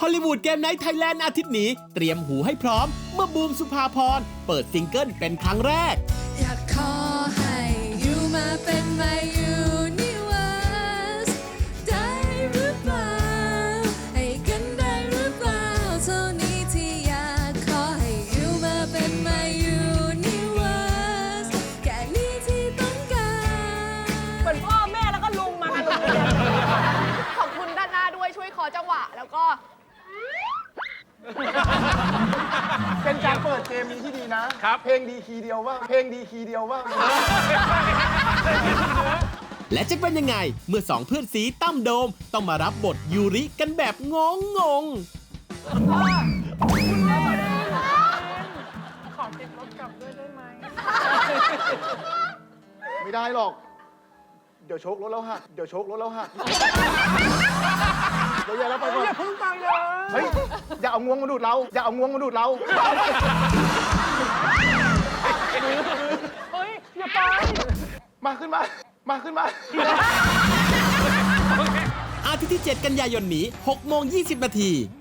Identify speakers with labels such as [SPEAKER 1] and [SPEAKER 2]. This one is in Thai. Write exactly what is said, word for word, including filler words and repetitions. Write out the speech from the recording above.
[SPEAKER 1] ฮอลลีวูดเกมไนท์ไทยแลนด์อาทิตย์นี้เตรียมหูให้พร้อมเมื่อบูมสุภาพรเปิดซิงเกิลเป็นครั้งแรก
[SPEAKER 2] อยากขอให้อยู่มาเป็น my universe ได้หรือเปล่าให้กันได้หรือเปล่าเท่านี้ที่อยากขอให้อยู่มาเป็น my universe แค่นี้ที่ต้องการ
[SPEAKER 3] เหมือนพ่อแม่แล้วก็ลุงมากันลุงเลยขอบคุณด้านหน้าด้วยช่วยขอจังหวะแล้วก็
[SPEAKER 4] เป็นการเปิดเกมนี้ที่ดีนะครับเพลงดีคีย์เดียวว่าเพลงดีคีย์เดียวว่า
[SPEAKER 1] และจะเป็นยังไงเมื่อสองเพื่อนสีตั้มโดมต้องมารับบทยูริกันแบบงงงง
[SPEAKER 3] ขอติดรถกลับด้วยได้ไหม
[SPEAKER 4] ไม่ได้หรอกเดี๋ยวโชครถแล้วหักเดี๋ยวโชครถแล้วหักเดี๋ยวอย่าแล้วไปก่อน
[SPEAKER 3] อย่าพึ่งไปเลย
[SPEAKER 4] เฮ้ยอย่าเอางวงมาดูดเราอย่าเอางวงมาดูดเรา
[SPEAKER 3] เฮ้ยอย่าไป
[SPEAKER 4] มาขึ้นมามาขึ้นมา
[SPEAKER 1] อาทิตย์ที่เจ็ดกันยายนนี้หกโมงยี่สิบนาที